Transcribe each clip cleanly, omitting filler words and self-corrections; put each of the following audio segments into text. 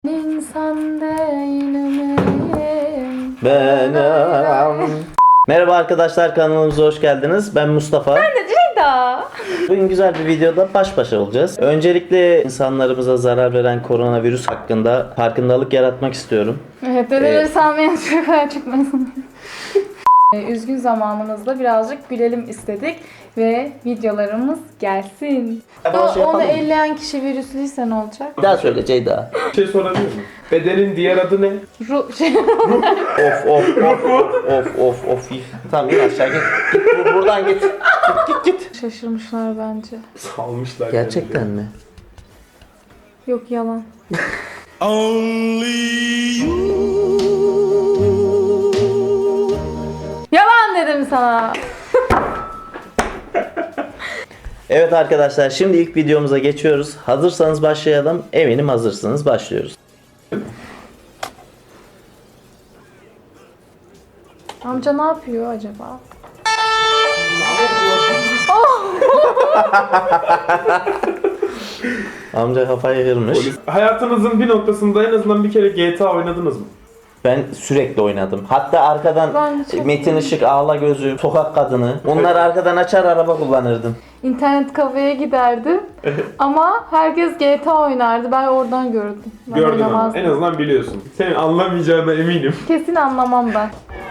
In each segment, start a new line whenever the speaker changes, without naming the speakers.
İnsan değilim.
Merhaba arkadaşlar, kanalımıza hoş geldiniz. Ben Mustafa.
Ben de Ceyda.
Bugün güzel bir videoda baş başa olacağız. Öncelikle insanlarımıza zarar veren koronavirüs hakkında farkındalık yaratmak istiyorum.
Evet, dedeleri salmayan çocuklar çıkmasın. Üzgün zamanımızda birazcık gülelim istedik ve videolarımız gelsin. Onu elleyen kişi virüslüyse ne olacak?
Bir daha söyle Ceyda.
Bir şey sorabilir miyim? Bedenin diğer adı ne?
Of. Tamam in aşağı git. Git buradan git. Git.
Şaşırmışlar bence.
Salmışlar.
Gerçekten mi?
Yok, yalan. Yalan dedim sana.
Evet arkadaşlar, şimdi ilk videomuza geçiyoruz. Hazırsanız başlayalım. Eminim hazırsınız. Başlıyoruz.
Amca ne yapıyor acaba?
Amca kafayı kırmış.
Hayatınızın bir noktasında en azından bir kere GTA oynadınız mı?
Ben sürekli oynadım. Hatta arkadan
Ben de çok
Metin Işık, Ağla Gözü, Sokak Kadını. Onları arkadan açar araba kullanırdım.
İnternet kafeye giderdim ama herkes GTA oynardı. Ben oradan gördüm. Ben
Gördün ama.
oynamazdım.
En azından biliyorsun. Senin anlamayacağına eminim.
Kesin anlamam ben.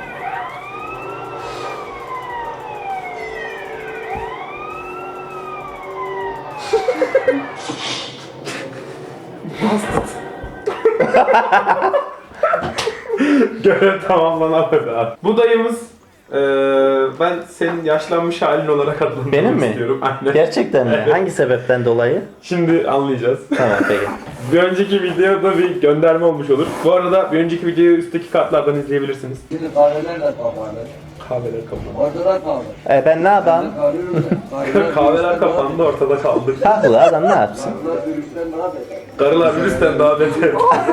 Görev tamamlanamadı abi. Bu dayımız ben senin yaşlanmış halin olarak adlandırmak
Benim mi?
istiyorum. Aynen.
Gerçekten mi?
Evet.
Hangi sebepten dolayı?
Şimdi anlayacağız.
Tamam peki.
Bir önceki videoda bir gönderme olmuş olur. Bu arada bir önceki videoyu üstteki kartlardan izleyebilirsiniz.
Şimdi kahveler de kapandı.
Kahveler kapandı.
Ortada kaldı.
Ben ne yapayım?
Kahveler kapandı, ortada kaldı.
Haklı, adam ne yapsın?
Karılar virüsten daha beter.
Karılar virüsten daha beter.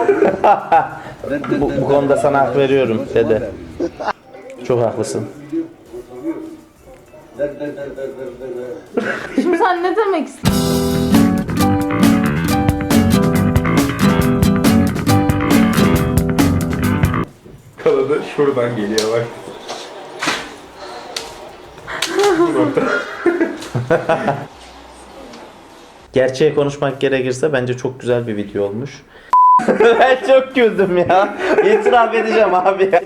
Bu konuda sana hak veriyorum dede. Çok haklısın.
Şimdi sen ne demek istiyorsun?
Kanadı şuradan geliyor bak. Bu nokta.
Gerçeği konuşmak gerekirse bence çok güzel bir video olmuş. Ben çok güldüm ya. İtiraf edeceğim abi ya.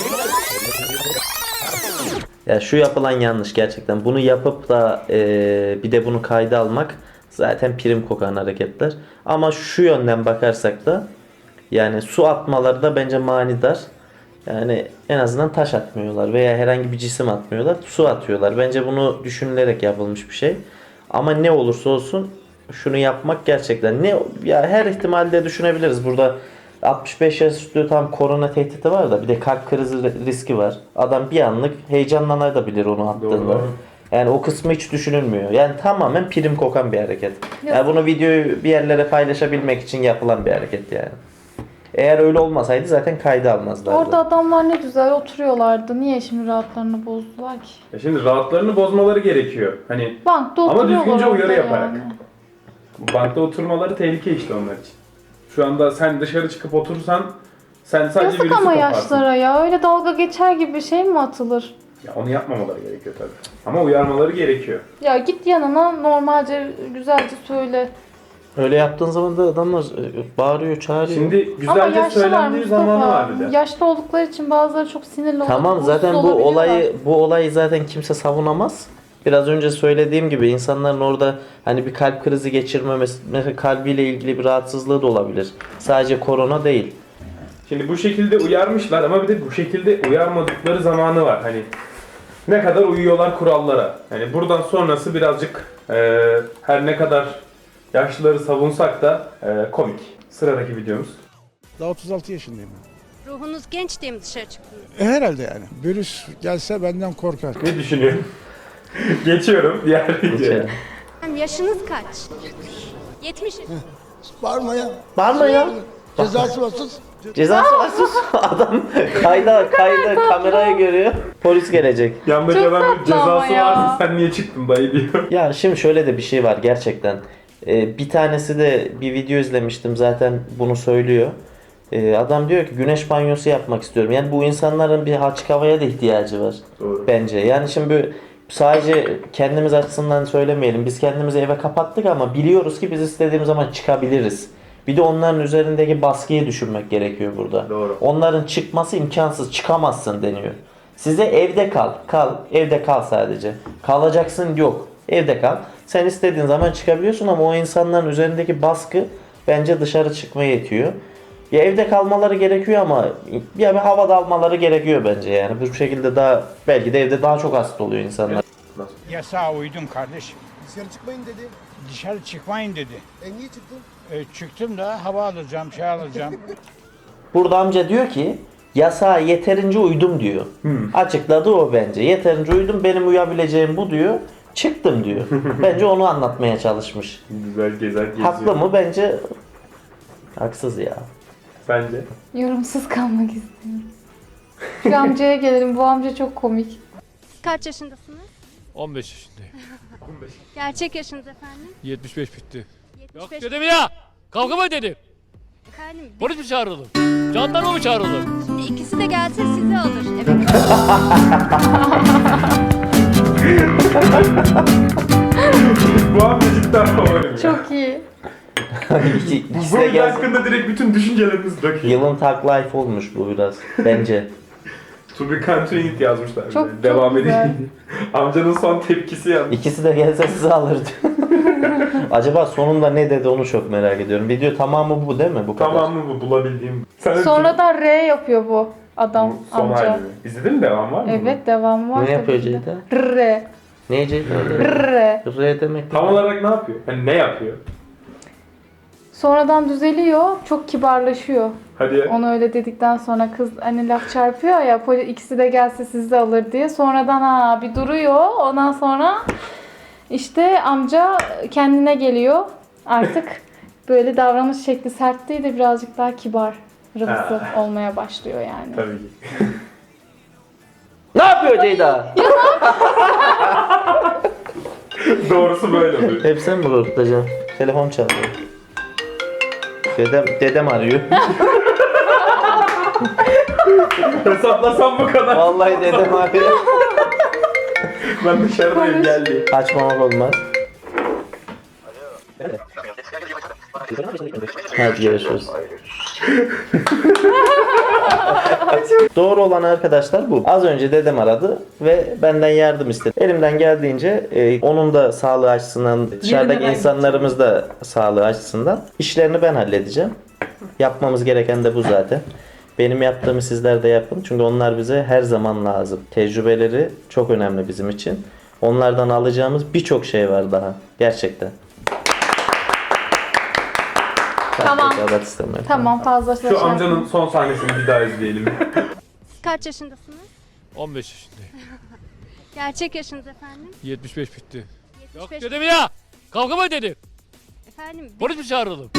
Ya şu yapılan yanlış gerçekten. Bunu yapıp da bir de bunu kayda almak zaten prim kokan hareketler. Ama şu yönden bakarsak da yani su atmaları da bence manidar. Yani en azından taş atmıyorlar veya herhangi bir cisim atmıyorlar. Su atıyorlar. Bence bunu düşünülerek yapılmış bir şey. Ama ne olursa olsun şunu yapmak gerçekten ya her ihtimalde düşünebiliriz. Burada 65 yaş üstü tam korona tehdidi var da bir de kalp krizi riski var. Adam bir anlık heyecanlanabilir onu attığında.
Doğru.
Yani o kısmı hiç düşünülmüyor. Yani tamamen prim kokan bir hareket. Yani bunu videoyu bir yerlere paylaşabilmek için yapılan bir hareket yani. Eğer öyle olmasaydı zaten kayda almazlardı.
Orada adamlar ne güzel oturuyorlardı. Niye şimdi rahatlarını bozdular ki?
Ya şimdi rahatlarını bozmaları gerekiyor. Hani
Bankta
ama
oturuyorlar
düzgünce uyarı
orada
yaparak.
yani.
Bankta oturmaları tehlike işte onlar için. Şu anda sen dışarı çıkıp oturursan sen sadece
Yazık
virüsü
ama
kaparsın.
yaşlara ya. Öyle dalga geçer gibi bir şey mi atılır?
Ya onu yapmamaları gerekiyor tabii. Ama uyarmaları gerekiyor.
Ya git yanına normalce güzelce söyle.
Öyle yaptığın zaman da adamlar bağırıyor, çağırıyor.
Şimdi
Ama
güzelce
yaşlılar
söylendiği zamanı var bir de.
Yaşlı oldukları için bazıları çok sinirli olup
Tamam
huysuz
zaten bu
olabiliyorlar.
olayı zaten kimse savunamaz. Biraz önce söylediğim gibi insanların orada hani bir kalp krizi geçirmemesi, mesela kalbiyle ilgili bir rahatsızlığı da olabilir. Sadece korona değil.
Şimdi bu şekilde uyarmışlar ama bir de bu şekilde uyarmadıkları zamanı var. Hani ne kadar uyuyorlar kurallara. Yani buradan sonrası birazcık her ne kadar yaşlıları savunsak da komik. Sıradaki videomuz.
Daha 36 yaşındayım ben.
Ruhunuz genç diye mi dışarı çıktınız?
Herhalde yani. Virüs gelse benden korkar.
Ne düşünüyorsun? Geçiyorum diğer videoya.
Yaşınız kaç? 70.
Bağırma ya.
Bağırma ya.
Cezası varsız.
Cezası var sus. Adam kayda kamerayı görüyor. Polis gelecek.
Yandaki
Çok
adam
tatlı ama
cezası
ya.
varsa sen niye çıktın dayı diyor.
Ya şimdi şöyle de bir şey var gerçekten. Bir tanesi de bir video izlemiştim zaten bunu söylüyor. Adam diyor ki güneş banyosu yapmak istiyorum. Yani bu insanların bir açık havaya da ihtiyacı var.
Doğru.
Bence. Yani şimdi sadece kendimiz açısından söylemeyelim. Biz kendimizi eve kapattık ama biliyoruz ki biz istediğimiz zaman çıkabiliriz. Bir de onların üzerindeki baskıyı düşünmek gerekiyor burada.
Doğru.
Onların çıkması imkansız. Çıkamazsın deniyor. Size evde kal. Kal. Evde kal sadece. Kalacaksın yok. Evde kal. Sen istediğin zaman çıkabiliyorsun ama o insanların üzerindeki baskı bence dışarı çıkmaya yetiyor. Ya evde kalmaları gerekiyor ama ya bir havada almaları gerekiyor bence yani. Bu şekilde daha belki de evde daha çok hasta oluyor insanlar.
Yasağa uydum kardeşim.
Dışarı çıkmayın dedi.
Dışarı çıkmayın dedi.
Niye çıktın?
Çıktım da hava alacağım, şey alacağım.
Burada amca diyor ki yasağa yeterince uydum diyor. Açıkladı o bence. Yeterince uydum, benim uyabileceğim bu diyor. Çıktım diyor. Bence onu anlatmaya çalışmış.
Güzel gezer geziyor.
Haklı mı? Bence haksız ya.
Bence.
Yorumsuz kalmak istiyorum. Şu amcaya gelelim. Bu amca çok komik.
Kaç yaşındasınız?
15 yaşındayım.
Gerçek yaşınız efendim?
75 bitti.
75.
Yok dedim ya. Kavga mı dedim?
Efendim
Polis mi çağıralım? Jandarma mı çağıralım?
şimdi ikisi de gelse sizi alır eve.
Bu amca cidden favorim ya.
Çok iyi.
İkisi
Bu
de
video
gelsin.
hakkında direkt bütün düşüncelerimiz döküyor.
Yılın Tag Life olmuş bu biraz bence.
To be continued yazmışlar. bir
Çok-
de.
çok
Devam
güzel.
edeyim. Amcanın son tepkisi yalnız.
İkisi de gelse sizi alırdı. Acaba sonunda ne dedi onu çok merak ediyorum. Video tamamı bu değil mi? Bu kadar.
Tamam mı bu bulabildiğim? Sen de
Sonradan R yapıyor bu adam,
bu son
amca.
halini. İzledin mi, devam var mı?
Evet, devamı var.
Ne yapıyor
tabii ki de.
Ceyda?
R.
Neyce?
R.
R demek.
Tam olarak ne yapıyor? Hani ne yapıyor?
Sonradan düzeliyor, çok kibarlaşıyor.
Hadi ya.
Onu öyle dedikten sonra kız hani laf çarpıyor ya, ikisi de gelse sizi de alır diye. Sonradan bir duruyor. Ondan sonra işte amca kendine geliyor. Artık böyle davranış şekli sert değil de birazcık daha kibar, rıvısı olmaya başlıyor yani.
Tabii ki.
Ne yapıyor Ceyda?
Doğrusu böyle oluyor.
Hep sen mi korkutacaksın? Telefon çalıyor. Dedem arıyor.
Hesaplasam bu kadar.
Vallahi dedem arıyor.
Ben dışarıdayım, geldi.
Açmamak olmaz. Hadi görüşürüz. Doğru olan arkadaşlar bu. Az önce dedem aradı ve benden yardım istedi. Elimden geldiğince onun da sağlığı açısından, dışarıdaki insanlarımız da sağlığı açısından işlerini ben halledeceğim. Yapmamız gereken de bu zaten. Benim yaptığımı sizler de yapın. Çünkü onlar bize her zaman lazım. Tecrübeleri çok önemli bizim için. Onlardan alacağımız birçok şey var daha. Gerçekten.
Tamam.
Rekabet istemiyorum.
Tamam, fazla şey
Şu amcanın son sahnesini bir daha izleyelim.
Kaç yaşındasınız?
15 yaşındayım.
Gerçek yaşınız efendim?
75 bitti. Yok
75.
dedim ya. Kavga mı dedim?
Efendim
Polis mi çağıralım?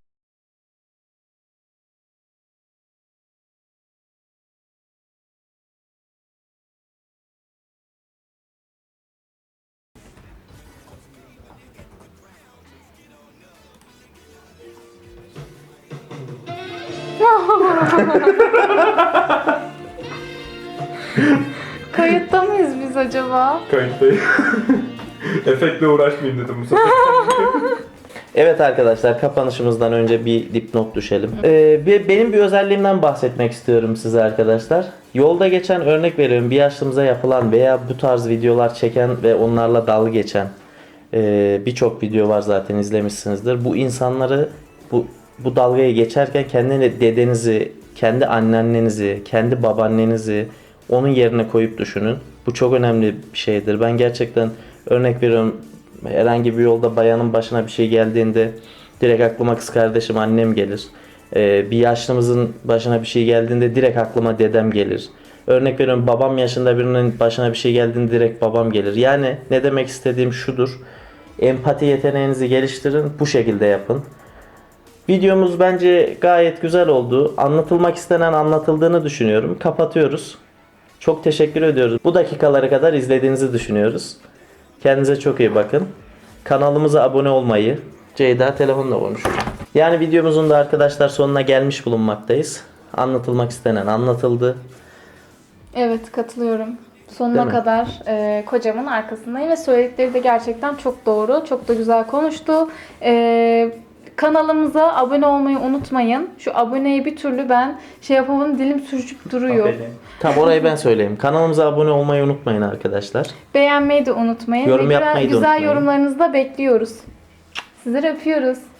Kayıtta mıyız biz acaba?
Kayıttayım. Efektle uğraşmayayım dedim bu sefer.
Evet arkadaşlar, kapanışımızdan önce bir dipnot düşelim. Benim bir özelliğimden bahsetmek istiyorum size arkadaşlar. Yolda geçen, örnek veriyorum, bir yaşlımıza yapılan veya bu tarz videolar çeken ve onlarla dalga geçen birçok video var, zaten izlemişsinizdir. Bu insanları bu dalgayı geçerken kendi dedenizi, kendi anneannenizi, kendi babaannenizi onun yerine koyup düşünün. Bu çok önemli bir şeydir. Ben gerçekten, örnek veriyorum, herhangi bir yolda bayanın başına bir şey geldiğinde direkt aklıma kız kardeşim, annem gelir. Bir yaşlımızın başına bir şey geldiğinde direkt aklıma dedem gelir. Örnek veriyorum, babam yaşında birinin başına bir şey geldiğinde direkt babam gelir. Yani ne demek istediğim şudur. Empati yeteneğinizi geliştirin. Bu şekilde yapın. Videomuz bence gayet güzel oldu. Anlatılmak istenen anlatıldığını düşünüyorum. Kapatıyoruz. Çok teşekkür ediyoruz. Bu dakikalara kadar izlediğinizi düşünüyoruz. Kendinize çok iyi bakın. Kanalımıza abone olmayı, Ceyda telefonla konuşuyor. Yani videomuzun da arkadaşlar sonuna gelmiş bulunmaktayız. Anlatılmak istenen anlatıldı.
Evet, katılıyorum. Sonuna
Değil mi?
kadar kocamın arkasındayım ve söyledikleri de gerçekten çok doğru. Çok da güzel konuştu. Kanalımıza abone olmayı unutmayın. Şu aboneyi bir türlü ben şey yapamadım, dilim sürçüp duruyor.
Tamam, orayı ben söyleyeyim. Kanalımıza abone olmayı unutmayın arkadaşlar.
Beğenmeyi de unutmayın.
Yorum
ve
yapmayı da
güzel
unutmayın.
yorumlarınızı da bekliyoruz. Sizleri öpüyoruz.